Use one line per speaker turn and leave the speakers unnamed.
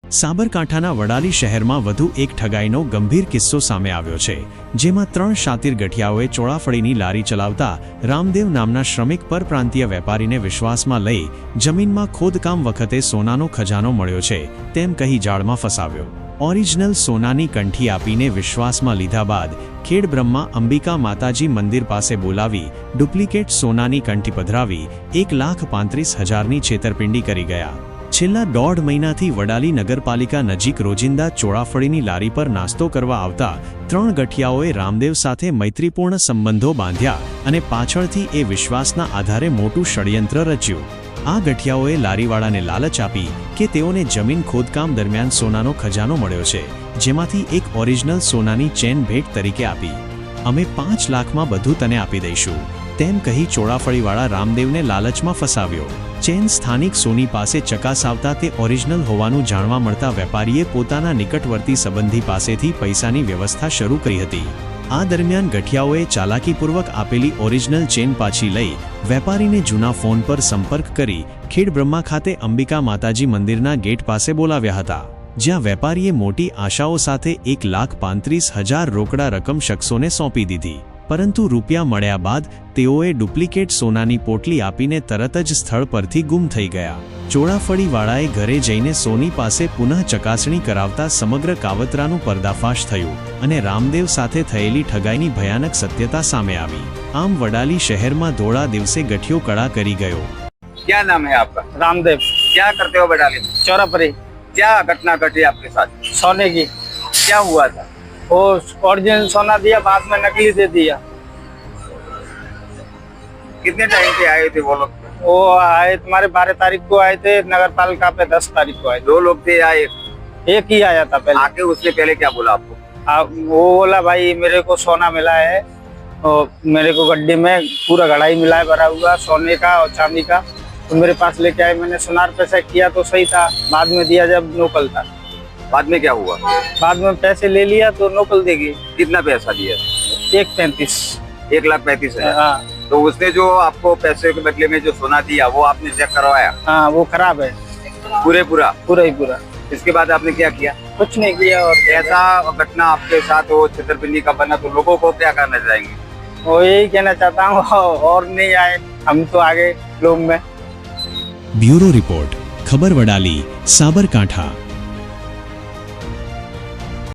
સાબરકાંઠાના વડાલી શહેરમાં વધુ એક ઠગાઈનો ગંભીર કિસ્સો સામે આવ્યો છે, જેમાં 3 શાતીર ગઠિયાઓએ ચોળાફળીની લારી ચલાવતા રામદેવ નામના શ્રમિક પરપ્રાંતીય વેપારીને વિશ્વાસમાં લઈ જમીનમાં ખોદકામ વખતે સોનાનો ખજાનો મળ્યો છે તેમ કહી જાળમાં ફસાવ્યો। ઓરિજિનલ સોનાની કંઠી આપીને વિશ્વાસમાં લીધા બાદ ખેડબ્રહ્મા અંબિકા માતાજી મંદિર પાસે બોલાવી ડુપ્લિકેટ સોનાની કંઠી પધરાવી 1,35,000ની છેતરપિંડી કરી ગયા। છેલ્લા 1.5 મહિનાથી વડાલી નગરપાલિકા નજીક રોજિંદા ચોળાફળીની લારી પર નાસ્તો કરવા આવતા 3 ગઠિયાઓએ રામદેવ સાથે મૈત્રીપૂર્ણ સંબંધો બાંધ્યા અને પાછળથી એ વિશ્વાસના આધારે મોટું ષડયંત્ર રચ્યું। આ ગઠિયાઓએ લારીવાળાને લાલચ આપી કે તેઓને જમીન ખોદકામ દરમિયાન સોનાનો ખજાનો મળ્યો છે, જેમાંથી એક ઓરિજિનલ સોનાની ચેન ભેટ તરીકે આપી। અમે 5 લાખમાં બધું તને આપી દઈશું તેમ કહી ચોળાફળીવાળા રામદેવને લાલચમાં ફસાવ્યો। ચેન સ્થાનિક સોની પાસે ચકાસાવતા તે ઓરિજિનલ હોવાનું જાણવા મળતા વેપારીએ પોતાના નિકટવર્તી સંબંધી પાસેથી પૈસાની વ્યવસ્થા શરૂ કરી હતી। આ દરમિયાન ગઠિયાઓએ ચાલાકીપૂર્વક આપેલી ઓરિજિનલ ચેન પાછી લઈ વેપારીને જૂના ફોન પર સંપર્ક કરી ખેડબ્રહ્મા ખાતે અંબિકા માતાજી મંદિરના ગેટ પાસે બોલાવ્યા હતા, જ્યાં વેપારીએ મોટી આશાઓ સાથે 1,35,000 રોકડા રકમ શખ્સોને સોંપી દીધી। પરંતુ રૂપિયા મળ્યા બાદ તેઓએ ડુપ્લિકેટ સોનાની પોટલી આપીને તરત જ સ્થળ પરથી ગુમ થઈ ગયા। ચોળાફળીવાળાએ ઘરે જઈને સોની પાસે પુનઃ ચકાસણી કરાવતા સમગ્ર કાવતરાનું પર્દાફાશ થયું અને રામદેવ સાથે થયેલી ઠગાઈની ભયાનક સત્યતા સામે આવી। આમ વડાલી શહેરમાં ધોળા દિવસે ગઠિયો કળા કરી ગયો।
क्या नाम है आपका?
रामदेव।
क्या करते हो बडाली में?
चौराफरी।
क्या घटना घटी आपके साथ?
सोने की।
क्या हुआ था?
वो ओरिजिनल सोना दिया, बाद में नकली दे दिया।
कितने टाइम पे आए थे वो लोग?
वो आए तुम्हारे 12 तारीख को आए थे, नगर पालिका पे 10 तारीख को आए।
2 लोग थे या
एक ही आया था पहले।
आके उससे पहले क्या बोला आपको?
वो बोला भाई मेरे को सोना मिला है और मेरे को गड्ढे में पूरा घड़ाई मिला है भरा हुआ सोने का और चांदी का, तो मेरे पास लेके आए। मैंने सुनार पैसा किया तो सही था, बाद में दिया जब नोकल था।
बाद में क्या हुआ?
बाद में पैसे ले लिया तो नोकल देगी।
कितना पैसा दिया?
1,35,000।
1,35,000।
हाँ।
तो उसने जो आपको पैसे के बदले में जो सोना दिया वो आपने चेक करवाया?
हाँ, वो खराब है
पूरा
ही पूरा।
इसके बाद आपने क्या किया?
कुछ नहीं किया। और
ऐसा घटना आपके साथ हो छतरपिंडी का बना तो लोगों को क्या करना चाहेंगे?
वो यही कहना चाहता हूँ और नहीं आए हम तो आगे लोग में।
ब्यूरो रिपोर्ट, खबर वडाली, साबरकांठा।